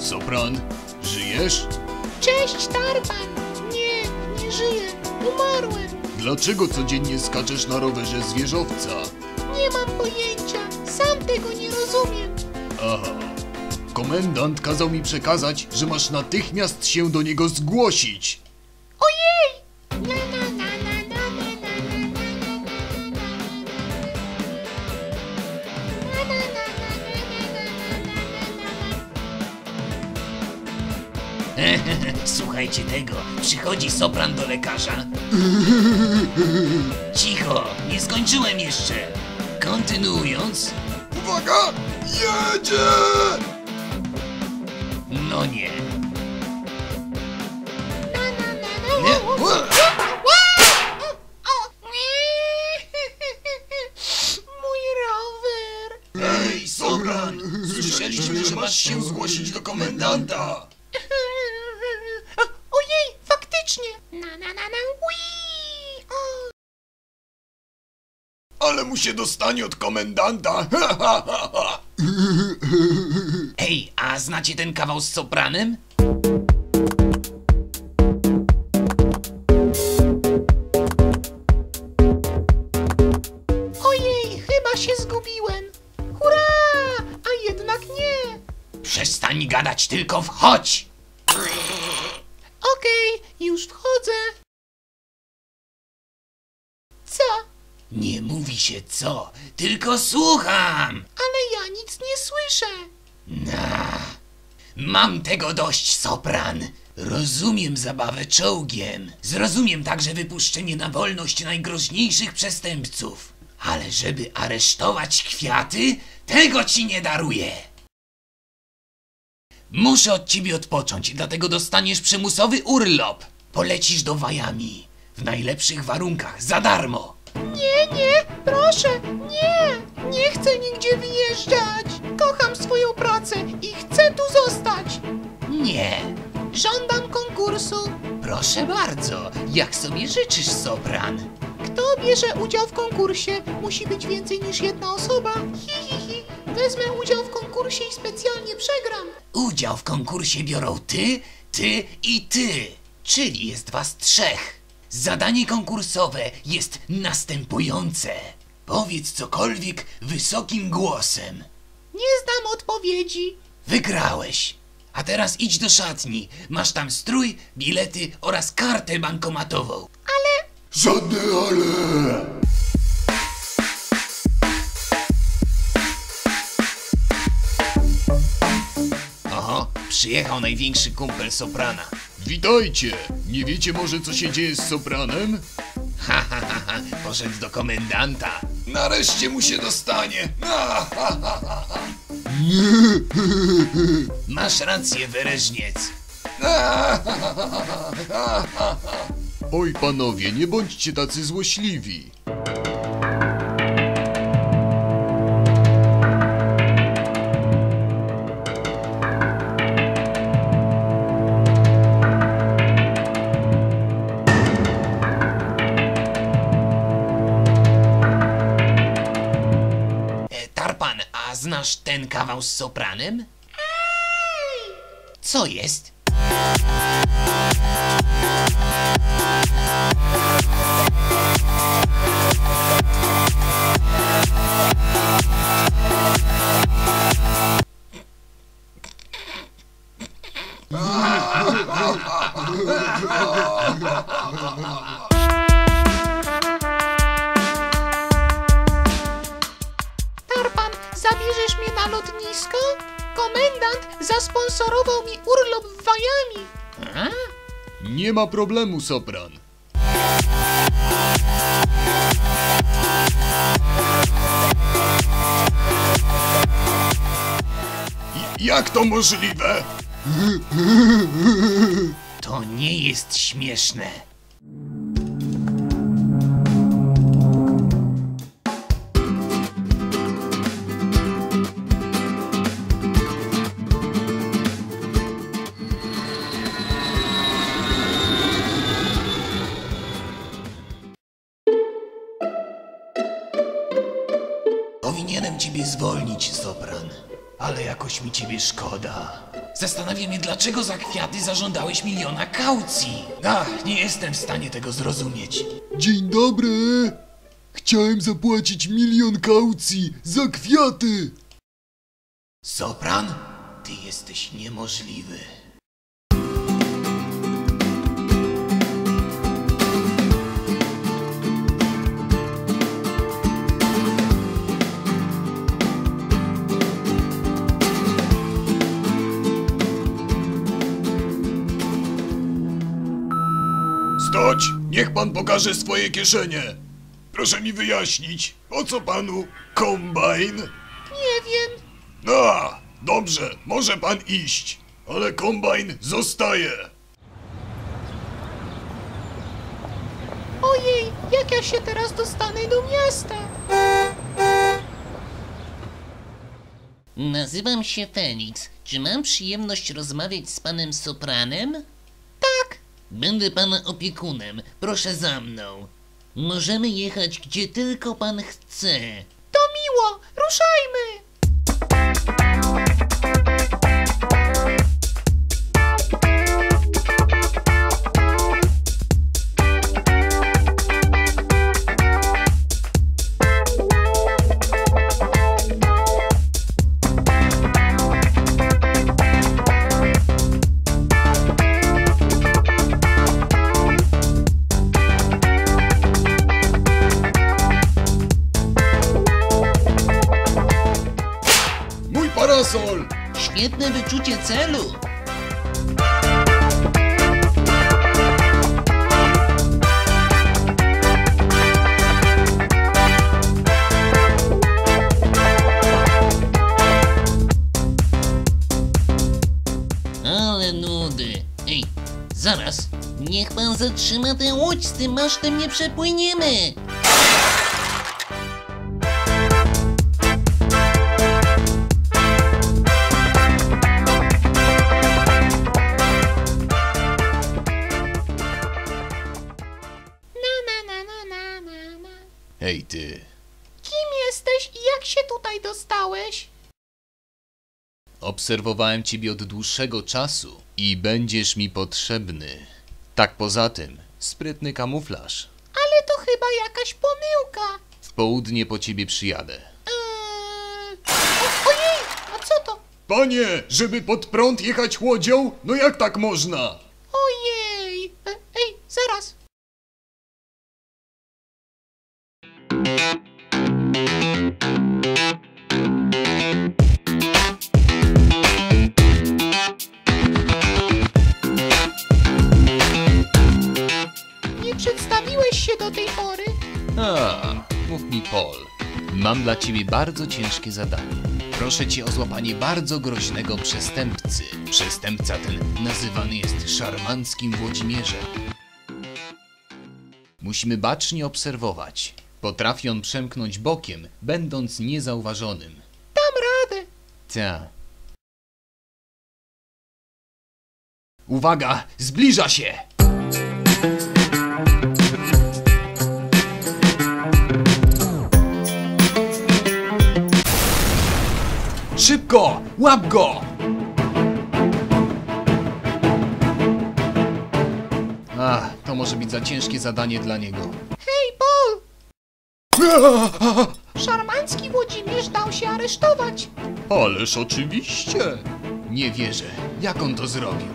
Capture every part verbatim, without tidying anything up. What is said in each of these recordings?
Sopran, żyjesz? Cześć, Tarpan! Nie, nie żyję. Umarłem. Dlaczego codziennie skaczesz na rowerze z wieżowca? Nie mam pojęcia. Sam tego nie rozumiem. Aha. Komendant kazał mi przekazać, że masz natychmiast się do niego zgłosić. Ojej! Na, na, na, na, na, na, na, Słuchajcie tego, przychodzi Sopran do lekarza. Cicho, nie skończyłem jeszcze. Kontynuując. Uwaga! Jedzie! No nie. nie. Mój rower. Ej, Sopran! Słyszeliśmy, że masz się zgłosić do komendanta. Ojej, faktycznie. Na, na, na, na. Ui. O. Ale mu się dostanie od komendanta. Ej, a znacie ten kawał z Sopranem? Ojej, chyba się zgubiłem. Hurra! A jednak nie. Przestań gadać, tylko wchodź! Okej, już wchodzę. Co? Nie mówi się co, tylko słucham! Ale ja nic nie słyszę. Na, mam tego dość, Sopran. Rozumiem zabawę czołgiem. Zrozumiem także wypuszczenie na wolność najgroźniejszych przestępców. Ale żeby aresztować kwiaty, tego ci nie daruję. Muszę od ciebie odpocząć, dlatego dostaniesz przymusowy urlop. Polecisz do Miami. W najlepszych warunkach, za darmo. Nie, nie, proszę, nie. Nie chcę nigdzie wyjeżdżać. Kocham swoją pracę i chcę tu zostać. Nie. Żądam konkursu. Proszę bardzo, jak sobie życzysz, Sopran. Kto bierze udział w konkursie, musi być więcej niż jedna osoba. Hi, hi, hi. Wezmę udział w konkursie i specjalnie przegram. Udział w konkursie biorą ty, ty i ty, czyli jest was trzech. Zadanie konkursowe jest następujące. Powiedz cokolwiek wysokim głosem. Nie znam odpowiedzi. Wygrałeś. A teraz idź do szatni. Masz tam strój, bilety oraz kartę bankomatową. Ale Żadne ale! Oho, przyjechał największy kumpel Soprana. Witajcie! Nie wiecie może, co się dzieje z Sopranem? Ha, ha, ha, ha. Poszedł do komendanta. Nareszcie mu się dostanie! Masz rację, Wereżniec. Oj, panowie, nie bądźcie tacy złośliwi. E, Tarpan, a znasz ten kawał z Sopranem? Co jest? Tarpan, zabierzesz mnie na lotnisko? Komendant zasponsorował mi urlop w Miami. A? Nie ma problemu, Sopran. I- jak to możliwe? To nie jest śmieszne. Powinienem ciebie zwolnić, Sopran. Ale ale jakoś mi ciebie szkoda. Zastanawia mnie, dlaczego za kwiaty zażądałeś miliona kaucji. Ach, nie jestem w stanie tego zrozumieć. Dzień dobry! Chciałem zapłacić milion kaucji za kwiaty! Sopran? Ty jesteś niemożliwy. Stoć! Niech pan pokaże swoje kieszenie! Proszę mi wyjaśnić, po co panu kombajn? Nie wiem. No, dobrze, może pan iść, ale kombajn zostaje. Ojej, jak ja się teraz dostanę do miasta? Nazywam się Felix. Czy mam przyjemność rozmawiać z panem Sopranem? Tak. Będę pana opiekunem. Proszę za mną. Możemy jechać gdzie tylko pan chce. To miło. Ruszajmy. Mój parasol! Świetne wyczucie celu. Ale nudy. Ej, zaraz. Niech pan zatrzyma tę łódź, z tym masztem nie przepłyniemy. Na, na, na, na, na, na, na. Hej ty, Kim jesteś i jak się tutaj dostałeś? obserwowałem ciebie od dłuższego czasu i będziesz mi potrzebny. Tak poza tym, sprytny kamuflaż. Ale to chyba jakaś pomyłka. W południe po ciebie przyjadę. Eee... O, ojej, a co to? Panie, żeby pod prąd jechać łodzią? No jak tak można? Ojej. E, ej, zaraz. Nie przedstawiłeś się do tej pory. A, mów mi Paul. Mam dla ciebie bardzo ciężkie zadanie. Proszę cię o złapanie bardzo groźnego przestępcy. Przestępca ten nazywany jest szarmanckim Włodzimierzem. Musimy bacznie obserwować. Potrafi on przemknąć bokiem, będąc niezauważonym. Dam radę. Ta. Uwaga! Zbliża się! Szybko! Łap go! Ach, to może być za ciężkie zadanie dla niego. Hej, Paul! Szarmancki Włodzimierz dał się aresztować. Ależ oczywiście! Nie wierzę. Jak on to zrobił?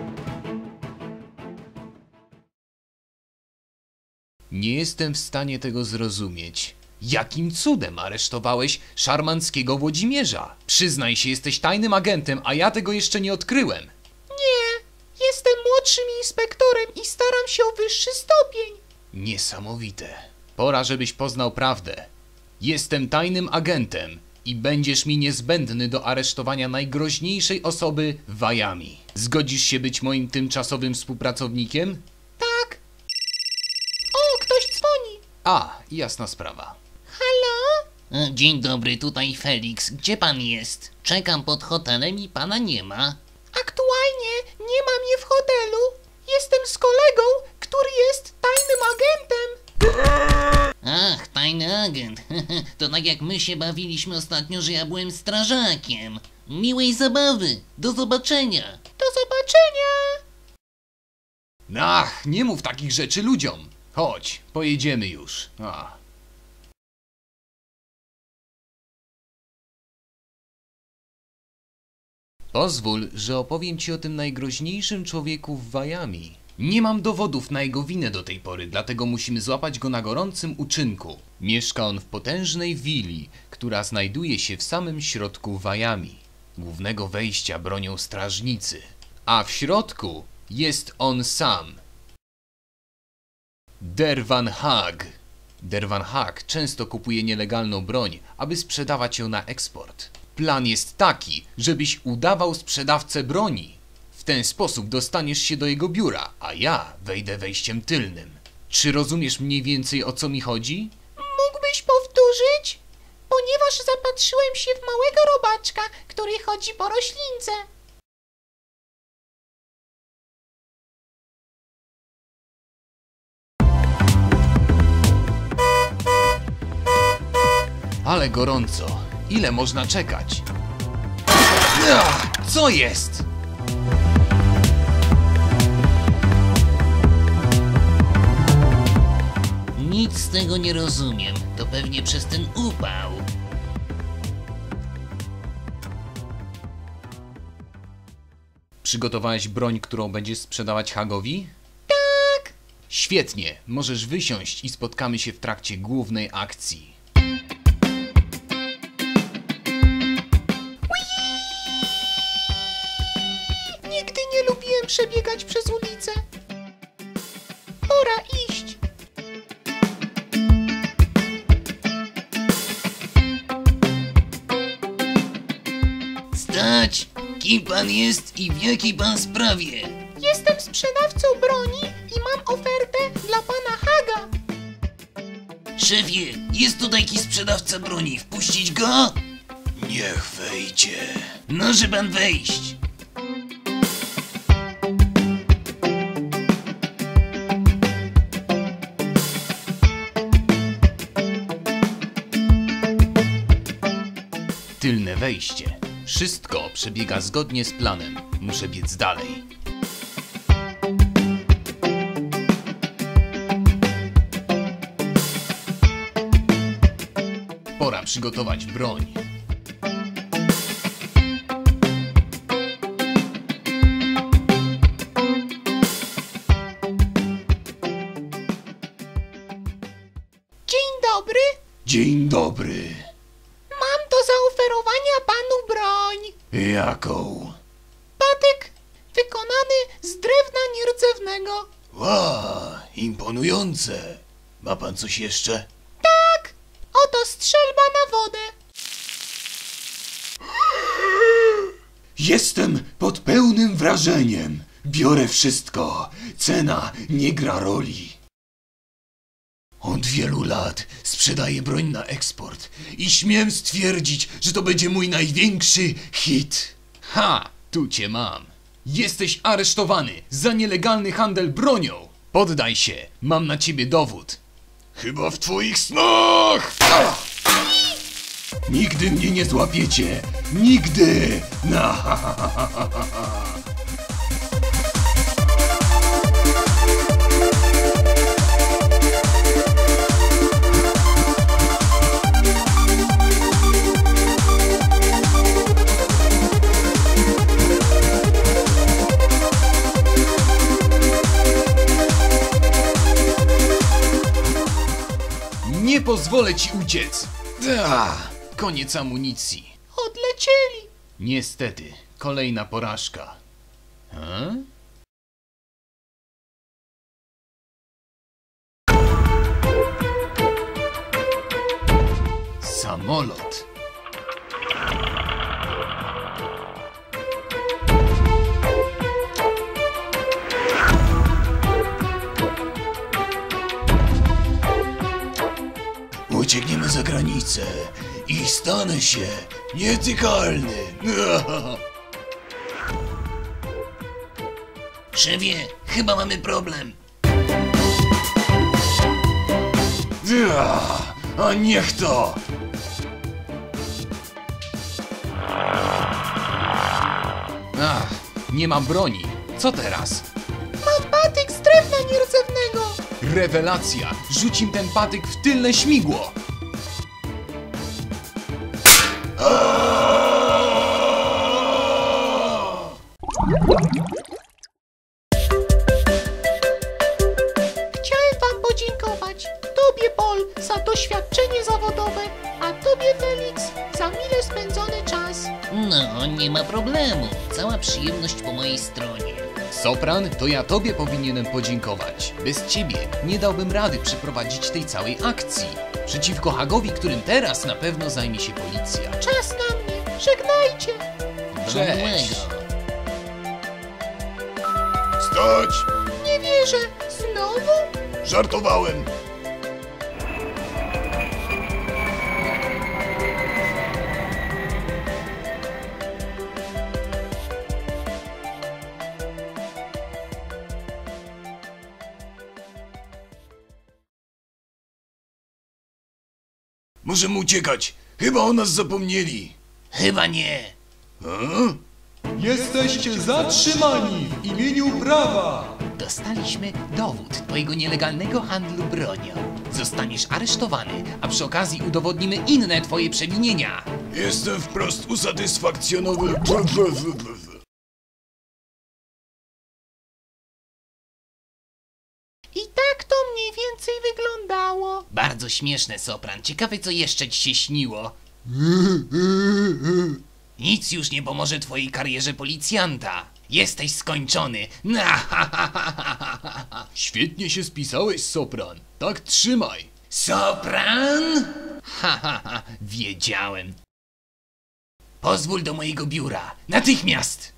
Nie jestem w stanie tego zrozumieć. Jakim cudem aresztowałeś szarmanckiego Włodzimierza? Przyznaj się, jesteś tajnym agentem, a ja tego jeszcze nie odkryłem. Nie, jestem młodszym inspektorem i staram się o wyższy stopień. Niesamowite. Pora, żebyś poznał prawdę. Jestem tajnym agentem i będziesz mi niezbędny do aresztowania najgroźniejszej osoby w Miami. Zgodzisz się być moim tymczasowym współpracownikiem? Tak. O, ktoś dzwoni. A, jasna sprawa. Halo? E, Dzień dobry, tutaj Felix. Gdzie pan jest? Czekam pod hotelem i pana nie ma. Aktualnie nie ma mnie w hotelu. Jestem z kolegą, który jest tajnym agentem. Ach, tajny agent. To tak jak my się bawiliśmy ostatnio, że ja byłem strażakiem. Miłej zabawy. Do zobaczenia. Do zobaczenia! Ach, nie mów takich rzeczy ludziom. Chodź, pojedziemy już. Ach. Pozwól, że opowiem ci o tym najgroźniejszym człowieku w Wajami. Nie mam dowodów na jego winę do tej pory, dlatego musimy złapać go na gorącym uczynku. Mieszka on w potężnej willi, która znajduje się w samym środku Wajami. Głównego wejścia bronią strażnicy, a w środku jest on sam. Dervan Hag. Dervan Hag często kupuje nielegalną broń, aby sprzedawać ją na eksport. Plan jest taki, żebyś udawał sprzedawcę broni. W ten sposób dostaniesz się do jego biura, a ja wejdę wejściem tylnym. Czy rozumiesz mniej więcej, o co mi chodzi? Mógłbyś powtórzyć? Ponieważ zapatrzyłem się w małego robaczka, który chodzi po roślince. Ale gorąco. Ile można czekać? Ach, co jest? Nic z tego nie rozumiem. To pewnie przez ten upał. Przygotowałeś broń, którą będziesz sprzedawać Hagowi? Tak! Świetnie, możesz wysiąść i spotkamy się w trakcie głównej akcji. Nigdy nie lubiłem przebiegać przez ulicę. Pora iść. Stać! Kim pan jest i w jakiej pan sprawie? Jestem sprzedawcą broni i mam ofertę dla pana Haga. Szefie, jest tutaj jakiś sprzedawca broni. Wpuścić go? Niech wejdzie. Może pan wejść. Tylne wejście. Wszystko przebiega zgodnie z planem. Muszę biec dalej. Pora przygotować broń. Dzień dobry. Dzień dobry. Mam do zaoferowania panu broń. Jaką? Patyk wykonany z drewna nierdzewnego. Ła, imponujące. Ma pan coś jeszcze? Tak, oto strzelba na wodę. Jestem pod pełnym wrażeniem. Biorę wszystko. Cena nie gra roli. Od wielu lat sprzedaję broń na eksport i śmiem stwierdzić, że to będzie mój największy hit. Ha! Tu cię mam. Jesteś aresztowany za nielegalny handel bronią. Poddaj się, mam na ciebie dowód. Chyba w twoich snach! Ah! Nigdy mnie nie złapiecie! Nigdy! Na, ha, ha, ha, ha, ha, ha. Nie pozwolę ci uciec. Da, koniec amunicji. Odlecieli. Niestety, kolejna porażka. Ha? Samolot. Uciekniemy za granicę i stanę się nietykalny. Szefie, chyba mamy problem. A niech to! Nie mam broni. Co teraz? Mam patyk z drewna nierdzewnego. Rewelacja! Rzuć im ten patyk w tylne śmigło! Chciałem wam podziękować. Tobie, Paul, za doświadczenie zawodowe, a tobie, Felix, za mile spędzony czas. No, nie ma problemu. Cała przyjemność po mojej stronie. Sopran, to ja tobie powinienem podziękować. Bez ciebie nie dałbym rady przeprowadzić tej całej akcji. Przeciwko Hagowi, którym teraz na pewno zajmie się policja. Czas na mnie. Żegnajcie. Do Cześć. miłego. Stać! Nie wierzę. Znowu? Żartowałem! Możemy uciekać! Chyba o nas zapomnieli! Chyba nie. Jesteście zatrzymani w imieniu prawa! Dostaliśmy dowód twojego nielegalnego handlu bronią. Zostaniesz aresztowany, a przy okazji udowodnimy inne twoje przewinienia. Jestem wprost usatysfakcjonowany. I tak to mniej więcej wyglądało. Bardzo śmieszne, Sopran. Ciekawe, co jeszcze ci się śniło. Nic już nie pomoże twojej karierze policjanta. Jesteś skończony. Świetnie się spisałeś, Sopran. Tak trzymaj. Sopran? Ha, ha, ha, wiedziałem. Pozwól do mojego biura. Natychmiast!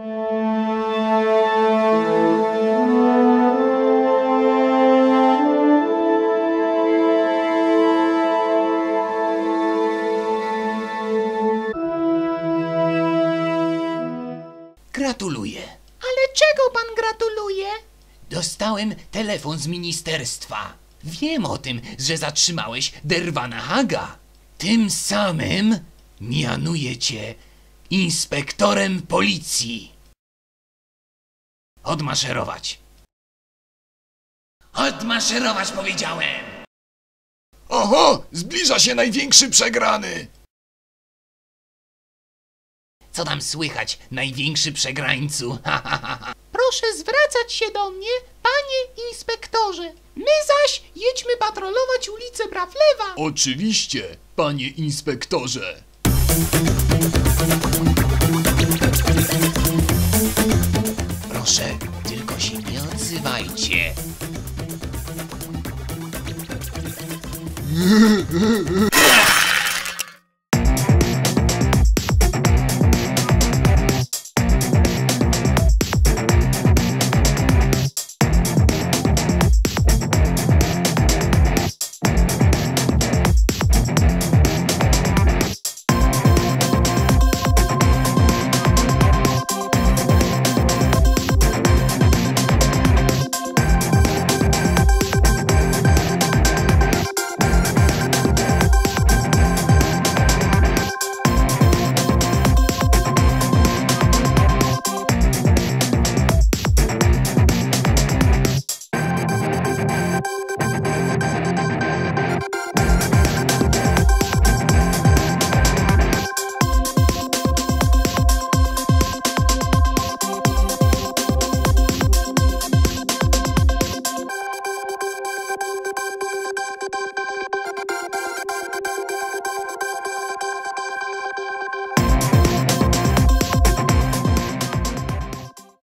Gratuluję. Ale czego pan gratuluje? Dostałem telefon z ministerstwa. Wiem o tym, że zatrzymałeś Derwana Haga. Tym samym mianuję cię inspektorem policji. Odmaszerować. Odmaszerować, powiedziałem! Oho! Zbliża się największy przegrany! Co tam słychać, największy przegrańcu? Ha, ha, ha, ha. Proszę zwracać się do mnie, panie inspektorze. My zaś jedźmy patrolować ulicę Brawlewa. Oczywiście, panie inspektorze. Proszę, tylko się nie odzywajcie.